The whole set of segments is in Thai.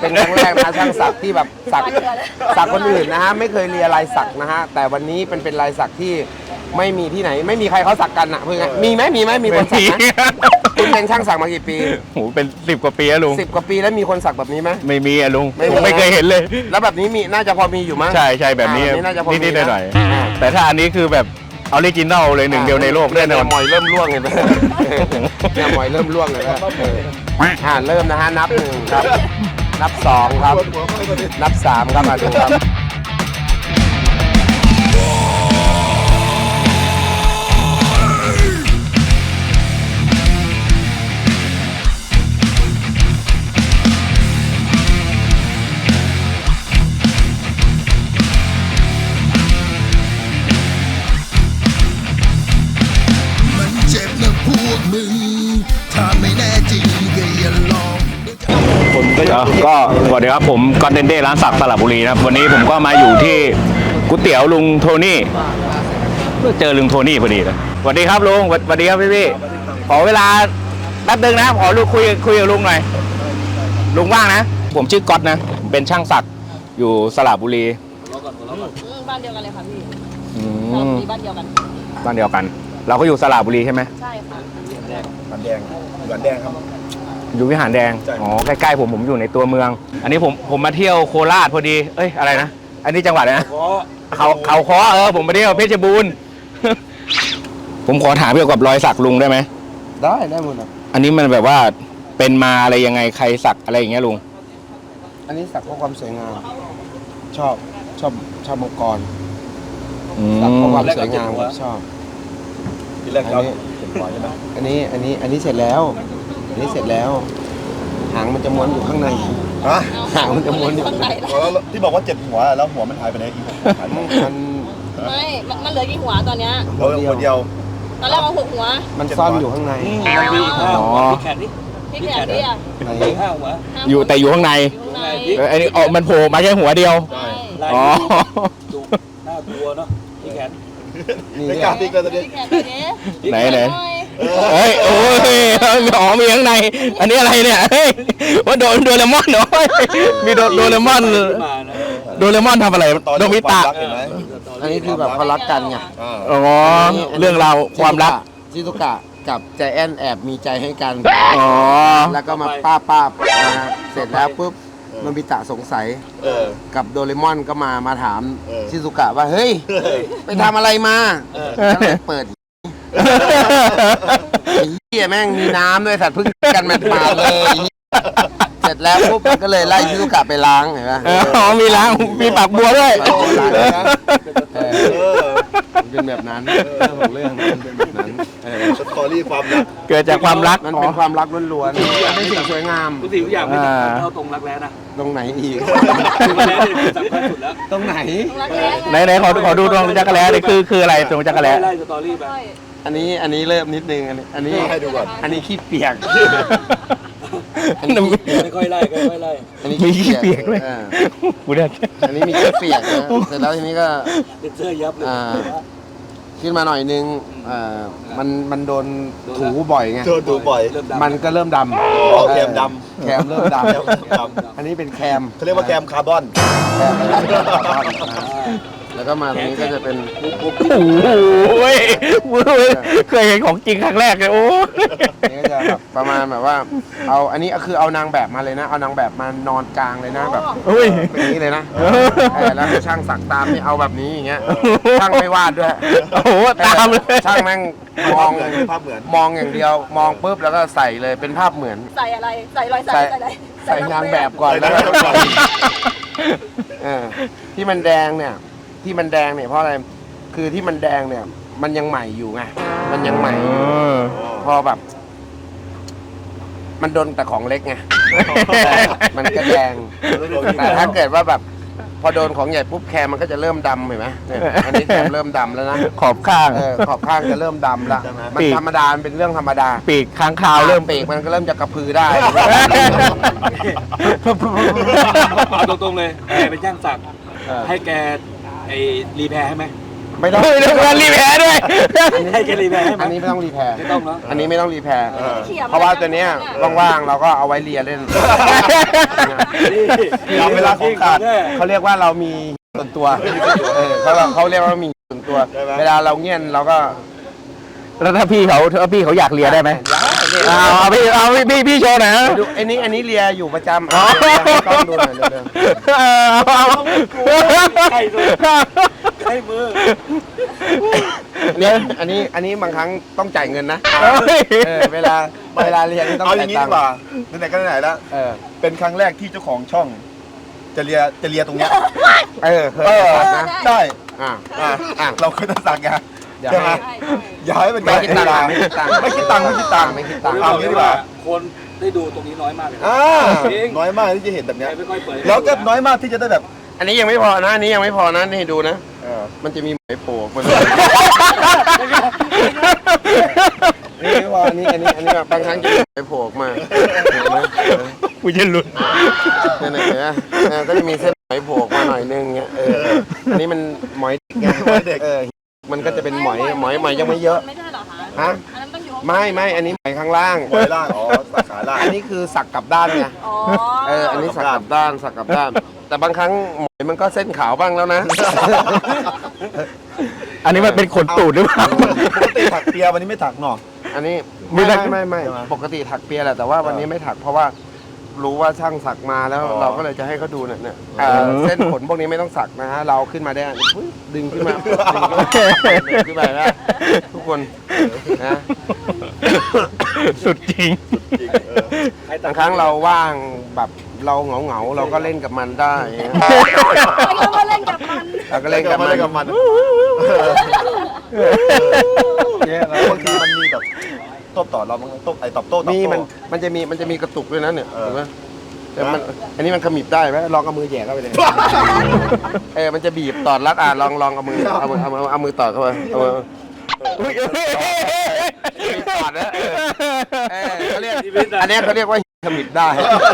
เป็นครั้งแรกนะช่างสักที่แบบสักคนอื่นนะฮะไม่เคยเรียนลายสักนะฮะแต่วันนี้เป็นลายสักที่ไม่มีที่ไหนไม่มีใครเขาสักกันอ่ะเพื่อนมีไหมมีคนสักไหมคุณเป็นช่างสักมากี่ปีโหเป็น10 กว่าปีแล้วลุง 10 กว่าปีแล้วมีคนสักแบบนี้ไหมไม่มีอะลุงผมไม่เคยเห็นเลยแล้วแบบนี้มีน่าจะพอมีอยู่มั้งใช่แบบนี้นิดๆหน่อยๆแต่ถ้าอันนี้คือแบบออริจินอลเลยหนึ่งเดียวในโลกแน่นอนมอยเริ่มล่วงเห็นไหมเนี่ยมอยเริ่มล่วงเลยนะเริ่มนะฮะนับ1ครับนับ2ครับนับ3ครับมาดูครับก็สวัสดีครับผมกอนเทนเดร้านสักสระบุรีนะครับวันนี้ผมก็มาอยู่ที่ก๋วยเตี๋ยวลุงโทนี่เจอลุงโทนี่พอดีเลยสวัสดีครับลุงสวัสดีครับพี่ขอเวลาแป๊บนึงนะขอคุยกับลุงหน่อยลุงว่างนะผมชื่อก๊อตนะเป็นช่างสักอยู่สระบุรีบ้านเดียวกันเลยค่ะพี่สระบุรีบ้านเดียวกันเราก็อยู่สระบุรีใช่ไหมใช่ค่ะหวานแดงครับอยู่วิหารแดงอ๋อใกล้ๆผมอยู่ในตัวเมืองอันนี้ผมมาเที่ยวโคราชพอดีเอ้ยอะไรนะอันนี้จังหวัดนะเขาค้อผมมาเที่ยวเพชรบูรณ์ผมขอถามเกี่ยวกับรอยสักลุงได้ไหมได้หมดนะอันนี้มันแบบว่าเป็นมาอะไรยังไงใครสักอะไรอย่างเงี้ยลุงอันนี้สักเพราะความสวยงามชอบมังกรสักเพราะความสวยงามชอบทีแรกเราเห็นบ่อยใช่ไหมอันนี้เสร็จแล้วหางมันจะม้วนอยู่ข้างในหางมันจะม้วนอยู่ข้างในที่บอกว่า7 หัวแล้วหัวมันหายไปไหนอีกมันเหลือกี่หัวตอนเนี้ยหัวเดียวตอนแรกเอา6 หัวมันซ่อนอยู่ข้างในพี่แขนพี่อ่ะ 5 หัวอยู่แต่อยู่ข้างในอันนี้มันโผล่มาแค่หัวเดียวอ๋อน่ากลัวเนาะพี่แขนนี่กล้าตีกันตัวนี้ไหนเฮ้ยโอ้ยมีข้างในอันนี้อะไรเนี่ยเฮ้ยว่าโดเรมอนเนาะมีโดเรมอนทำอะไรโดมิตะอันนี้คือแบบเขารักกันไงอ๋อเรื่องราวความรักชิซุกะกับใจแอนแอบมีใจให้กันอ๋อแล้วก็มาป้าเสร็จแล้วปุ๊บโนบิตะสงสัยกับโดเรมอนก็มาถามชิซุกะว่าเฮ้ยไปทำอะไรมาเปิดเหี้ยแม่งมีน้ำด้วยสัตว์พึ่งกันมาเลยเสร็จแล้วปุ๊บก็เลยไล่ชิซุกะไปล้างเห็นไหมมีล้างมีปากบัวด้วยเป็นแบบนั้นของเรื่องเป็นแบบนั้นสตอรี่ความรักเกิดจากความรักมันเป็นความรักล้วนๆไม่สิ่งสวยงามทุกสิ่งทุกอย่างไม่สำคัญเท่าตรงรักแร้นะตรงไหนอีกรักแร้เนี่ยสำคัญสุดแล้วตรงไหนขอดูตรงจักรแร้เลยคืออะไรตรงจักรแร้ไล่สตอรี่ไปอันนี้เริ่มนิดนึงอันนี้ให้ดูก่อนอันนี้ขี้เปียกไม่ค่อยไล่อันนี้มีขี้เปียกด้วยอันนี้มีขี้เปียกเสร็จแล้วทีนี้ก็เสื้อยับเลยขึ้นมาหน่อยนึงมันโดนถูบ่อยไงถูบ่อยมันก็เริ่มดำแคมเริ่มดำอันนี้เป็นแคมเขาเรียกว่าแคมคาร์บอนแล้วก็มาตรงนี้ก็จะเป็นโอ้ยเคยเห็นของจริงครั้งแรกเลยโอ้นี่ก็จะแบบประมาณแบบว่าเอาอันนี้คือเอานางแบบมาเลยนะเอานางแบบมานอนกลางเลยนะแบบแบบนี้เลยนะแล้วให้ช่างสักตามนี่เอาแบบนี้อย่างเงี้ยช่างไม่วาดด้วยโอ้โหตามเลยช่างแม่งมองอย่างเดียวมองปุ๊บแล้วก็ใส่เลยเป็นภาพเหมือนใส่อะไรใส่รอยสักใส่นางแบบก่อนแล้วที่มันแดงเนี่ยเพราะอะไรคือที่มันแดงเนี่ยมันยังใหม่อยู่ไงมันยังใหม่พอแบบมันโดนแต่ของเล็กไงมันก็แดงแต่ถ้าเกิดว่าแบบพอโดนของใหญ่ปุ๊บแคมมันก็จะเริ่มดำเห็นไหมอันนี้แคมเริ่มดำแล้วนะขอบข้างจะเริ่มดำละมันธรรมดาเป็นเรื่องธรรมดาปีกค้างคาวเริ่มปีกมันก็เริ่มจะกระพือได้เอาตรงๆเลยแกเป็นช่างสักให้แกรีแพร์ให้ไหมไม่ต้องเรื่องการรีแพร์ด้วยให้แกรีแพร์ให้ไหมอันนี้ไม่ต้องรีแพร์ไม่ต้องเนาะอันนี้ไม่ต้องรีแพร์เขี่ยเพราะว่าตัวเนี้ยว่างๆเราก็เอาไว้เลียเล่นนี่เวลาของขาดเขาเรียกว่าเรามีส่วนตัวเขาเรียกว่ามีส่วนตัว เวลาเราเงียนเราก็แล้วถ้าพี่เขาอยากเลียได้ไหมพี่โชว์หน่อยนะดูอันนี้เลียอยู่ประจำต้องดูหน่อยเร็วใกล้ตัวใกล้มือๆเนี่ยอันนี้บางครั้งต้องจ่ายเงินนะเวลาเลียนี่ต้องเอาอจ่าย่าย งนี้ตังดีค์กว่าไหนๆก็ไหนๆแล้ว เป็นครั้งแรกที่เจ้าของช่อง จะเลียตรงเนี้ยเคยตัดนะใช่อ่ะเราเคยจะสั่งไงเดี๋ยวใช่ไหมให้อย่าให้เป็นไม่คิดตังค์ไม่คิดตังค์ไม่คิดตังค์ไม่คิดตังค์เอาอย่างนี้ดีกว่าคนได้ดูตรงนี้น้อยมากเลยนะ จริงน้อยมากที่จะเห็นแบบเนี้ยไม่ค่อยเปิดแล้วก็น้อยมากที่จะได้แบบอันนี้ยังไม่พอนะอันนี้ยังไม่พอนะนี่ดูนะมันจะมีไหมโผล่ออกมานี่ไม่พออันนี้แบบบางครั้งจะมีไหมโผล่ออกมาเห็นไหมกูจะหลุดเนี่ยเห็นไหมก็จะมีเส้นไหมโผล่ออกมาหน่อยนึงเงี้ยอันนี้มันหมอยไงมันก็จะเป็นหมอยยังไม่เยอะไม่ใช่เหรอคะฮะอันนั้นต้องอยู่ไม่อันนี้หมอยข้างล่างปล่อยล่างอ๋อสาขาล่างอันนี้คือสักกลับด้านไงอ๋ออันนี้สักกลับด้านแต่บางครั้งหมอยมันก็เส้นขาวบ้างแล้วนะอันนี้มันเป็นขนตูดหรือเปล่าปกติถักเปียวันนี้ไม่ถักหนออันนี้มีไม่ถักไม่ปกติถักเปียแหละแต่ว่าวันนี้ไม่ถักเพราะว่ารู้ว่าช่างสักมาแล้วเราก็เลยจะให้เขาดูเนี่ยเส้นขนพวกนี้ไม่ต้องสักนะฮะเราขึ้นมาได้ปึ๊บดึงขึ้นมาดึงขึ้นมาแล้วทุกคนนะสุดจริงบางครั้งเราว่างแบบเราเหงาเราก็เล่นกับมันได้ไม่ต้องมาเล่นกับมันเราก็เล่นกับมันเนี่ยแล้วบางทีมันมีแบบโต้ตอบเราบางโต้ตอบโต้มีมันจะมีกระตุกด้วยนะเนี่ยเห็นไหมแต่มันอันนี้มันขมิบได้ไหมลองเอามือแหย่เข้าไปเลยมันจะบีบตอดรัดลองเอามือตอดเข้าไปเอามือตอดนะเขาเรียกอันนี้เขาเรียกว่าขมิบได้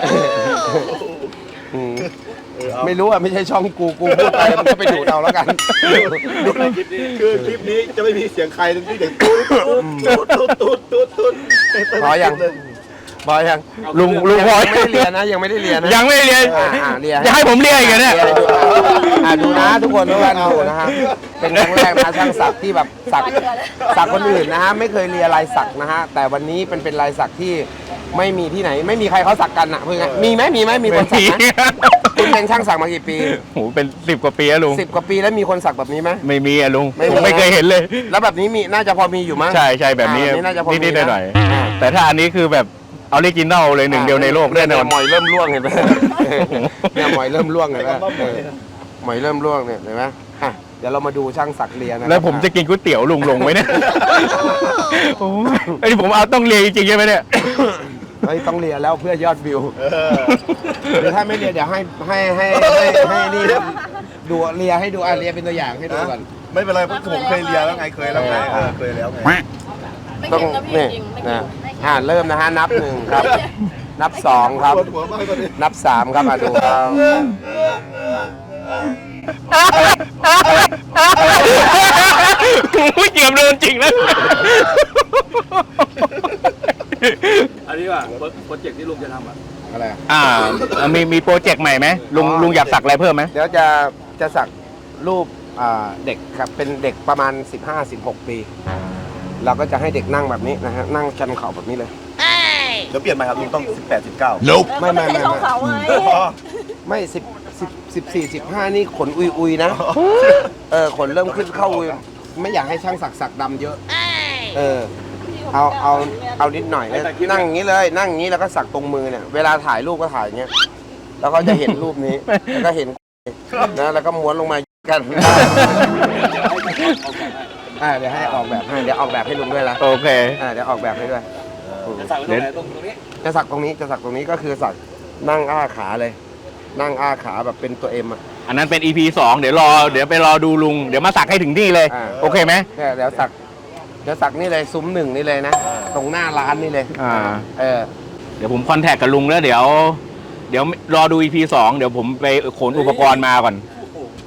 ไม่รู้อ่ะไม่ใช่ช่องกูพูดไปมันก็ไปดูดเอาแล้วกันคือคลิปนี้จะไม่มีเสียงใครทั้งที่เสียงตูดพอยังลุงพอยังไม่ได้เรียนนะยังไม่ได้เรียนนะยังไม่ได้เรียนเรียนจะให้ผมเรียนอีกเหรอเนี่ยดูนะทุกคนทุกท่านดูนะฮะเป็นครั้งแรกนะช่างสักที่แบบสักคนอื่นนะฮะไม่เคยเรียนลายสักนะฮะแต่วันนี้เป็นลายสักที่ไม่มีที่ไหนไม่มีใครเขาสักกันอ่ะเพื่อนมีไหมมีคนสักไหมคุณเป็นช่างสักมากี่ปีโหเป็น10 กว่าปีแล้วลุง 10 กว่าปีแล้วมีคนสักแบบนี้ไหมไม่มีอะลุงไม่มีผมไม่เคยเห็นเลยแล้วแบบนี้มีน่าจะพอมีอยู่มั้งใช่แบบนี้น่าจะพอมีนิดๆหน่อยอ่าๆแต่ถ้าอันนี้คือแบบออริจินอลเลยหนึ่งเดียวในโลกแน่นอนหมอยเริ่มร่วงเห็นไหมเนี่ยหมอยเริ่มร่วงเห็นไหมหมอยเริ่มร่วงเนี่ยเห็นไหมเดี๋ยวเรามาดูช่างสักเรียนนะแล้วผมจะกินก๋วยเตี๋ยวลุงลงไหมเนี่ยโอ้ยไอ้นี่ผมเอาต้องเรียนจริงๆใช่ไหมเนี่ยเฮ้ยต้องเรียนแล้วเพื่อยอดวิวหรือถ้าไม่เรียนเดี๋ยวให้นี่ดูเรียให้ดูเรียเป็นตัวอย่างให้ดูก่อนไม่เป็นไรเพราะผมเคยเรียนแล้วไงเคยแล้วไงเคยแล้วไงไม่ต้องเก่งนะพี่นี่จริงไม่นะเก่งเริ่มนะฮะนับ 1 ครับ นับ 2 ครับปวดหัวมากตอนนี้นับ 3 ครับดูครับเกือบโดนจริงแล้วอันนี้ว่าโปรเจกต์ที่ลุงจะทำอ่ะอะไรอะมีโปรเจกต์ใหม่ไหมลุงอยากสักอะไรเพิ่มไหมเดี๋ยวจะสักรูปเด็กครับเป็นเด็กประมาณ 15-16 ปี เราก็จะให้เด็กนั่งแบบนี้นะฮะนั่งชันเข่าแบบนี้เลยเดี๋ยวเปลี่ยนใหม่ครับลุงต้อง18 19 ไม่ใช่ช่องเขาไงไม่14-15 นี่ขนอุยนะขนเริ่มขึ้นเข้าอุยไม่อยากให้ช่างสักดำเยอะเอานิดหน่อยนั่งอย่างนี้เลยนั่งอย่างนี้แล้วก็สักตรงมือเนี่ยเวลาถ่ายรูปก็ถ่ายอย่างเงี้ยแล้วก็จะเห็นรูปนี้แล้วก็เห็นนะแล้วก็ม้วนลงมากันเดี๋ยวให้ออกแบบให้เดี๋ยวออกแบบให้ลุงด้วยละโอเคเดี๋ยวออกแบบให้ด้วยจะสั่งไว้ตรงไหนตรงนี้จะสักตรงนี้ก็คือสักนั่งอ้าขาเลย นั่งอ้าขาแบบเป็นตัวเอ็มอ่ะอันนั้นเป็น EP 2 เดี๋ยวไปรอดูลุงเดี๋ยวมาสักให้ถึงที่เลย โอเคไหมเดี๋ยวสักนี่เลยซุ้ม1นี่เลยนะตรงหน้าร้านนี่เลยเดี๋ยวผมคอนแทคกับลุงแล้วเดี๋ยวรอดู EP 2 เดี๋ยวผมไปขนอุปกรณ์มาก่อน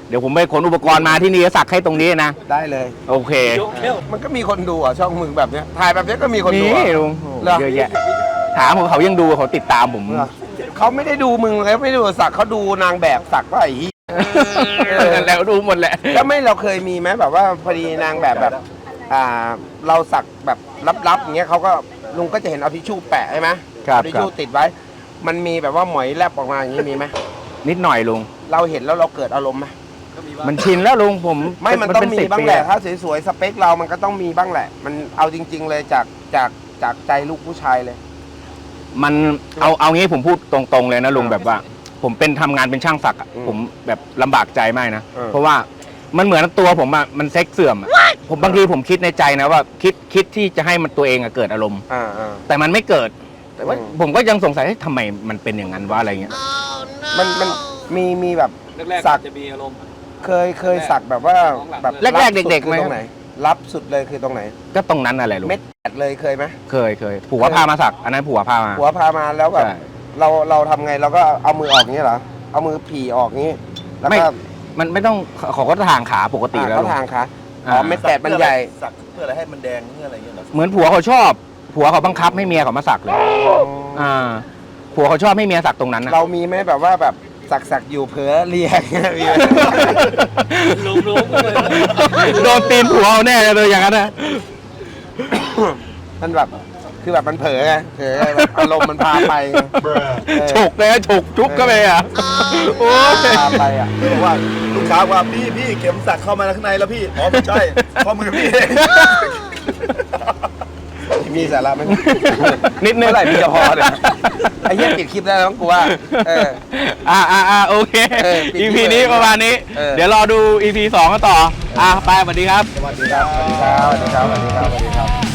เดี๋ยวผมไปขนอุปกรณ์มาที่นี่สักให้ตรงนี้นะได้เลยโอเคยกแค่วมันก็มีคนดูอ่ะช่องมึงแบบเนี้ยถ่ายแบบเนี้ยก็มีคนดูนี่อ่ะลุงเหรอเยอะแยะถามผมเขายังดูเขาติดตามผมเหรอเขาไม่ได้ดูมึงเลยไม่ได้ดูสักเขาดูนางแบบสักว่าไอ้เหี้ยแล้วดูหมดแหละแล้วไม่เราเคยมีไหมแบบว่าพอดีนางแบบเราสักแบบลับๆอย่างเงี้ยเขาก็ลุงก็จะเห็นเอาทิชชู่แปะใช่ไหมครับเอาทิชชู่ติดไว้ มันมีแบบว่าหมอยแลบออกมาอย่างนี้มีไหมนิดหน่อยลุงเราเห็นแล้วเราเกิดอารมณ์ไหมมันชินแล้วลุงผมไม่มันต้องเป็มี 10 บ้างปีแหละถ้าสวยๆสเปคเรามันก็ต้องมีบ้างแหละ มันเอาจริง ๆ เลยจากใจลูกผู้ชายเลยมันเอางี้ผมพูดตรงๆเลยนะลุงแบบว่า ผมเป็นทำงานเป็นช่างสักอะอืมผมแบบลำบากใจมากนะเออเพราะว่ามันเหมือนตัวผมอะมันเซ็กเสื่อมอะผมบางทีผมคิดในใจนะว่าคิดที่จะให้มันตัวเองอะเกิดอารมณ์ แต่มันไม่เกิด แต่ว่าอืมผมก็ยังสงสัยทำไมมันเป็นอย่างนั้นวะอะไรเงี้ยมันมีแบบแรกสักๆจะมีอารมณ์เคยสักแบบว่าแบบแรกๆเด็กๆคือไหมตรงไหนรับสุดเลยคือตรงไหนก็ตรงนั้นอะไรลุงเม็ดแปดเลยเคยไหมเคยผัวพามาสักอันนั้นผัวพามาหัวพามาแล้วแบบใช่เราทำไงเราก็เอามือออกงี้เหรอเอามือผีออกงี้แล้วไม่ก็มันไม่ต้องเขาก็ทางขาปกติแล้วเขาลุงทางค่ะอ๋ออ่าเม็ดแปดมันใหญ่สักเพื่ออะไรให้มันแดงเพื่ออะไรเงี้ยเหรอเหมือนผัวเขาชอบ ผัวเขาบังคับให้เมียเขามาสักเลยผัวเขาชอบให้เมียสักตรงนั้นนะเรามีไหมแบบว่าแบบสักอยู่เผลอเรียกเงี้ยมีไหมลุงเลยโดนตีนผัวเอาแน่เลยอย่างนั้นนะมันแบบคือแบบมันเผลอไงเผลอแบบอารมณ์มันพาไปไงเออฉกเลยนะฉกจุ๊บก็ไปอ่ะโอ้ยพาไปอ่ะบอกว่าลูกค้าว่าพี่เข็มสักเข้ามาข้างในแล้วพี่อ๋อไม่ใช่ข้อมือพี่เองมีสาระไหมนิดนึงเมื่อไหร่พี่จะพอเนี่ยไอ้เหี้ยปิดคลิปได้แล้วมั้งกูว่าเออโอเคเออปิด EP ที่นี้เลยประมาณนี้เออเดี๋ยวรอดู EP 2กันต่อไปสวัสดีครับสวัสดีครับสวัสดีครับสวัสดีครับสวัสดีครับสวัสดีครับ